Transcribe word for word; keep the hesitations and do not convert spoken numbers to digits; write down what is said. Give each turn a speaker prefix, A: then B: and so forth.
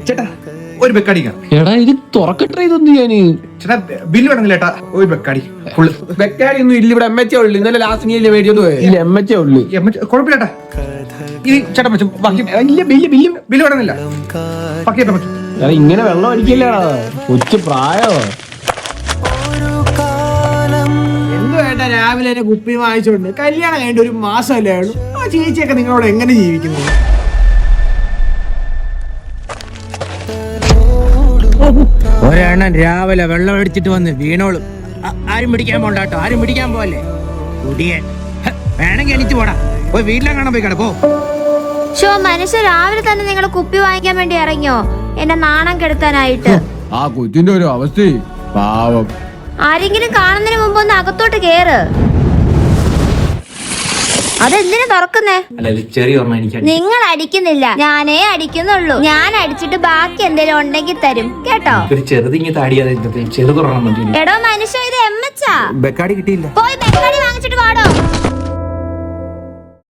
A: ചേട്ടാ ഒരു ബെക്കാടിക്കാം.
B: എടാ ഇത് തുറക്കട്ടെ ഇതൊന്നും ഞാന്.
A: ചേട്ടാ ബില്ല് വേണമെങ്കിൽ ചേട്ടാ ഒരു ബെക്കാടി.
C: ബെക്കാടി ഒന്നും ഇല്ല ഇവിടെ. എം എച്ച് ഉള്ളു. ഇന്നലെ ലാസ്റ്റ് നീ അല്ലേ മേടിച്ചോണ്ട് പോയത്?
B: ഇല്ല എം എച്ച് ഉള്ളു.
A: കുഴപ്പമില്ല ചേട്ടാ. ഇനി ചേട്ടാ പറ്റും ബാക്കി
B: ഇല്ല ബില്ല് ബില്ല്
A: ബില്ല് വേണമെന്നില്ല. ബാക്കി ചേട്ടാ പറ്റും.
B: എടാ ഇങ്ങനെ വെള്ളം അടിക്കില്ലടാ, കൊച്ചു പ്രായോ.
C: എന്തു വേണ്ട രാവിലെ തന്നെ കുപ്പി വാങ്ങിച്ചോണ്ട് കല്യാണം കഴിഞ്ഞ ഒരു മാസമല്ലേ ഉള്ളൂ. ആ ചേച്ചിയൊക്കെ നിങ്ങളോട് എങ്ങനെ ജീവിക്കുന്നു? ഒരെണ്ണം രാവിലെ വെള്ളം അടിച്ചിട്ട് വന്ന് വീണോളും. ആരും പിടിക്കാൻ പോണ്ടാട്ടോ, ആരും പിടിക്കാൻ പോവല്ലേ. കുടിയൻ വേണമെങ്കിൽ എണീറ്റ് പോടാ. പോയി വീട്ടിലെ കാണാൻ പോയി കിടപ്പോ.
D: ഷോ മനുഷ്യ രാവിലെ തന്നെ നിങ്ങൾ കുപ്പി വാങ്ങിക്കാൻ വേണ്ടി ഇറങ്ങിയോ എന്നെ നാണം കെടുത്താനായിട്ട്?
E: ആ കൊച്ചിന്റെ ഒരു അവസ്ഥ പാവം.
D: ആരെങ്കിലും കാണുന്നതിന് മുമ്പ് ഒന്ന് അകത്തോട്ട് കേറ്. അതെന്തിനാ തുറക്കുന്നേ? നിങ്ങൾ അടിക്കുന്നില്ല, ഞാനേ അടിക്കുന്നുള്ളൂ. ഞാൻ അടിച്ചിട്ട് ബാക്കി എന്തെങ്കിലും ഉണ്ടെങ്കിൽ തരും കേട്ടോ.
A: ചെറുതിങ്ങി താടിയാതെ ചെറുതുറണം.
D: എടോ മനുഷ്യ ഇത് എം എച്ചാ.
A: ബെക്കാടി കിട്ടിയില്ല.
D: പോയി ബെക്കാടി